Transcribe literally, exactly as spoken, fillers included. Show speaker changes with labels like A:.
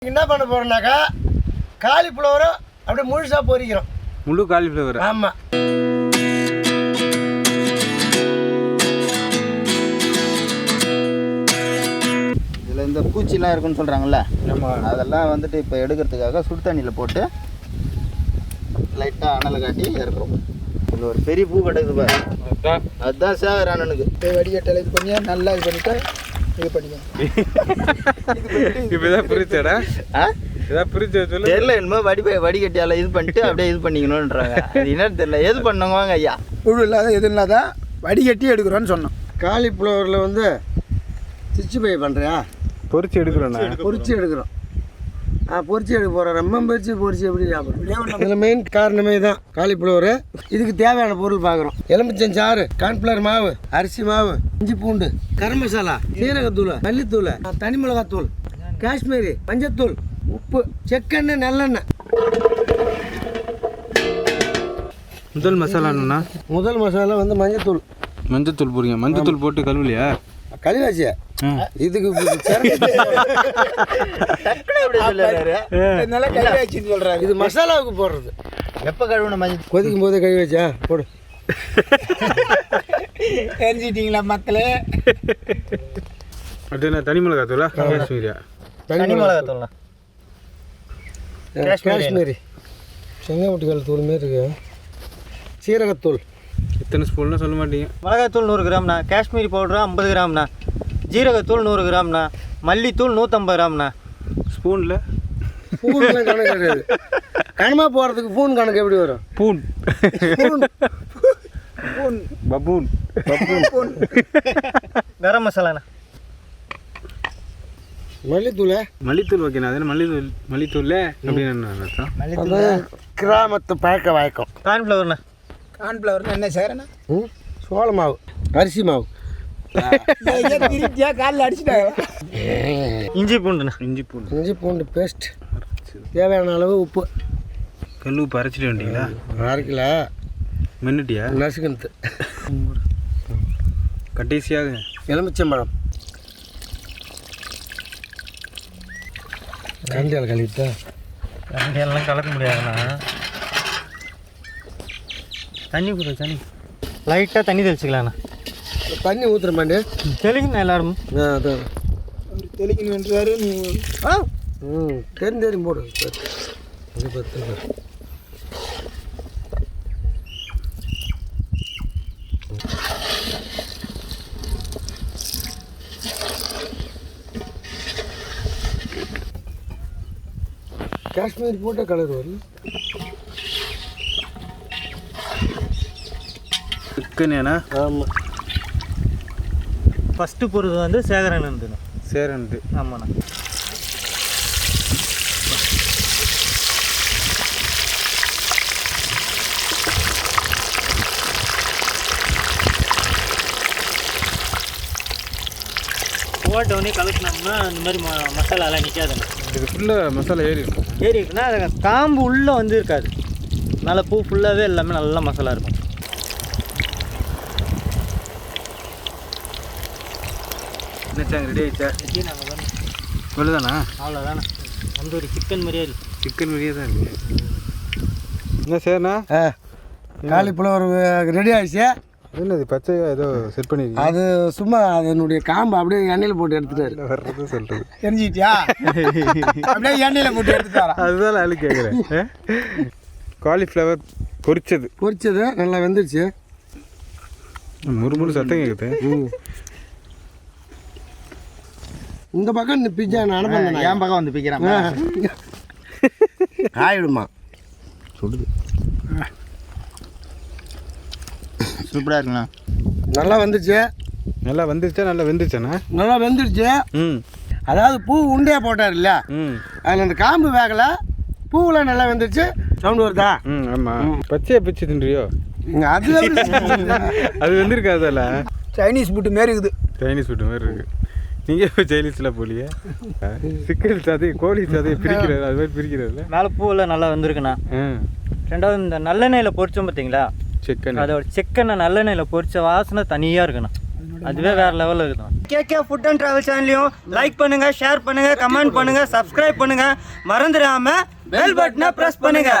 A: என்ன பண்ண போகிறோம்னாக்கா காலிஃப்ளவரை அப்படியே முழுசாக பொரிக்கிறோம்.
B: முழு காலிஃப்ளவர்.
A: ஆமாம்.
C: இதில் இந்த பூச்சிலாம் இருக்குன்னு சொல்கிறாங்கல்ல, அதெல்லாம் வந்துட்டு இப்போ எடுக்கிறதுக்காக சுடு தண்ணியில் போட்டு லைட்டாக அனலை காட்டி இறக்குறோம். இதில் ஒரு பெரிய பூ கிடக்குது பாரு, அதுதான் சேகர் அண்ணனுக்கு.
D: வடிகட்டலை இது பண்ணி நல்லா இது பண்ணிவிட்டு இது பண்ணிக்கணும்.
B: இப்போ தான் பிரிச்சடா இதான் பிரிச்சு சொல்லு.
C: தெரியல என்னமோ வடி வடிகட்டியால் இது பண்ணிட்டு அப்படியே இது பண்ணிக்கணுன்றாங்க. அது என்னன்னு தெரியல. எது பண்ணுவாங்க ஐயா?
D: புழு இல்லாத எது இல்லாத வடிகட்டி எடுக்கிறோன்னு சொன்னோம்.
A: காலிஃப்ளவரில் வந்து சிச்சு பை பண்ணுறியா?
B: பொரிச்சு எடுக்கிறோண்ணா.
A: பொரிச்சு எடுக்கிறோம். ஆ பொரிச்சு எடுக்க போகிறோம். ரொம்ப பொரிச்சு பொரிச்சு எப்படி சாப்பிட்றோம்? இதில் மெயின் காரணமே தான் காலிஃப்ளவரு. இதுக்கு தேவையான பொருள் பார்க்குறோம். எலுமிச்சம் சாறு, கார்ன்ஃப்ளவர் மாவு, அரிசி மாவு, இஞ்சி பூண்டு, கரம் மசாலா, சீரகத்தூள், மல்லித்தூள், தனி மிளகாத்தூள், காஷ்மீரி, மஞ்சத்தூள், உப்பு, செக்கெண்ணெய், நல்லெண்ணெய்.
B: முதல் மசாலா என்னண்ணா?
A: முதல் மசாலா வந்து மஞ்சத்தூள்.
B: மஞ்சத்தூள் போடுங்க. மஞ்சத்தூள் போட்டு கழுவலையா?
A: கழுவாச்சியா? இதுக்கு இது மசாலாவுக்கு போடுறது.
C: எப்போ கழுவுன மஞ்சள்?
A: கொதிக்கும் போதே கழுவி வச்சா போடு.
D: தெரிஞ்சிட்டிங்களா மக்களே?
B: அப்படின்னா தனி மிளகாத்தூளா காஷ்மீரியா?
C: தனி மிளகாத்தூள்ண்ணா.
A: காஷ்மீரி செங்கமுட்டிக்கால் தூள் மாரி இருக்கு. சீரகத்தூள்
B: எத்தனை ஸ்பூன்னா சொல்ல மாட்டீங்க.
C: மிளகாத்தூள் நூறு கிராம்ண்ணா. காஷ்மீரி பவுடர் ஐம்பது கிராம்ண்ணா. ஜீரகத்தூள் நூறு கிராம்ண்ணா. மல்லித்தூள் நூற்றம்பது கிராம்ண்ணா.
B: ஸ்பூனில்
A: பூன்லாம் கணக்கு கிடையாது. கனமாக போகிறதுக்கு பூன் கணக்கு எப்படி வரும்?
B: பூன்
A: பூன்
D: பூன்
B: பபூன்
D: பூன்.
C: கரம் மசாலாண்ணா.
A: மல்லித்தூள்.
B: மல்லித்தூள் ஓகேண்ணா. அது மல்லித்தூள் மல்லித்தூள் அப்படின்னு அர்த்தம்.
A: அது கிராமத்து பழக்க வழக்கம்.
C: கார்ன்ஃப்ளவர்ண்ணா.
D: கார்ன்ஃப்ளவர் என்ன செய்கிறேன்னா
A: ம் சோள மாவு, அரிசி மாவு.
D: திருப்தியா காலில் அடிச்சுட்டாங்க.
C: இஞ்சி பூண்டுண்ணா.
B: இஞ்சி பூண்டு
A: இஞ்சி பூண்டு பேஸ்ட். தேவையான அளவு உப்பு.
B: கல் உப்பு அரைச்சிட்டு வந்துட்டீங்களா?
A: அரை கிலோ
B: மின்னுட்டியா?
A: நசுக்கணுத்து.
B: கடைசியாக
A: எலுமிச்சம்பழம். கண்டியால் கழுவிட்டா
C: கண்டியெல்லாம் கலக்க முடியாதுண்ணா. தண்ணி கூட தண்ணி லைட்டாக தண்ணி தெளிச்சிக்கலாண்ணா.
A: தண்ணி ஊற்றுற மாட்டே
C: தெளிக்கணும் எல்லாரும்.
A: ஆ அதான்
D: தெளிக்கணும் என்றாரு. நீ
A: ஆ ம் தெரிஞ்சு தெரியும் போடு. அது பத்து காஷ்மீர் போட்ட கலர் வரும்.
B: சிக்கனேண்ணா?
A: ஆமாம்.
C: ஃபஸ்ட்டு பொருது வந்து சேகரன் இருந்துண்ணா.
B: சேரன்ட்டு.
C: ஆமாண்ணா. போட்டோடனே கலக்கினோம்னா இந்த மாதிரி ம மசாலாலாம் நிற்காதுண்ணா.
B: இது ஃபுல்லாக மசாலா ஏறி இருக்கும்.
C: ஏறி இருக்குன்னா அது காம்பு உள்ளே வந்து இருக்காது. நல்லா பூ ஃபுல்லாகவே எல்லாமே நல்லா மசாலா இருக்கும்.
B: என்னச்சாங்க ரெடி ஆயிடுச்சா?
C: நாங்கள் தான்
B: இவ்வளோதானா?
C: அவ்வளோதாண்ணா. வந்து ஒரு சிக்கன் மாதிரியே இருக்கு.
B: சிக்கன் மாதிரியே தான் இருக்குது. என்ன சரிண்ணா?
A: ஆ காலிஃப்ளவர் ரெடி ஆகிடுச்சு.
B: என்னது பச்சையா ஏதோ செட் பண்ணிருக்கீங்க?
A: அது சும்மா அதனுடைய காம்பு அப்படியே எண்ணெயில் போட்டு எடுத்துட்டாரு.
B: வர்றது சொல்கிறது
D: தெரிஞ்சிட்டியா? அப்படியே எண்ணெயில் போட்டு எடுத்துட்டாரா?
B: அதுதான் ஆளு கேட்குறேன். காலிஃப்ளவர் பொரிச்சது
A: பொரிச்சது நல்லா வெந்துருச்சு.
B: முறுமுறு சத்தம் கேட்குது.
A: ம் இந்த பக்கம் இந்த பிஜ்ஜா நான் பண்ணேன்.
C: என் பக்கம் வந்து பிக்கிறான்.
A: ஆயிடுமா
C: சுடுது. சூப்பராக இருக்குண்ணா.
A: நல்லா வந்துருச்சு.
B: நல்லா வந்துருச்சா? நல்லா வெந்துருச்சாண்ணா?
A: நல்லா வெந்துருச்சு.
B: ம்
A: அதாவது பூ உண்டையாக போட்டார் இல்லையா,
B: ம்
A: அதில் அந்த காம்பு வேகலை, பூவில் நல்லா வெந்துருச்சு. சவுண்டு வருதா?
B: ம் ஆமாம். பச்சையை பிச்சு தின்றியோ?
A: அது
B: அது வெந்திருக்காதல்ல.
D: சைனீஸ் ஃபுட்டு மாரி இருக்குது.
B: சைனீஸ் ஃபுட்டு மாதிரி இருக்குது. நீங்கள் இப்போ சைனீஸில் போலியே. சிக்கன் சாதி கோழி சாதி பிரிக்கிறது அது மாதிரி பிரிக்கிறதுல
C: மேலே பூவில் நல்லா வந்துருக்குண்ணா. ரெண்டாவது இந்த நல்லெண்ணெயில் பொரிச்சோம் பார்த்தீங்களா,
B: சிக்கன்
C: அதோட சிக்கனை நல்லெண்ணெயில் பொரிச்ச வாசனை தனியாக இருக்குண்ணா. அதுவே வேற லெவலில் இருக்கும். கேகே ஃபுட் அண்ட் ட்ராவல் சேனலையும் லைக் பண்ணுங்க, ஷேர் பண்ணுங்க, கமெண்ட் பண்ணுங்க, சப்ஸ்கிரைப் பண்ணுங்க, மறந்துடாம பெல் பட்டனை பிரஸ் பண்ணுங்க.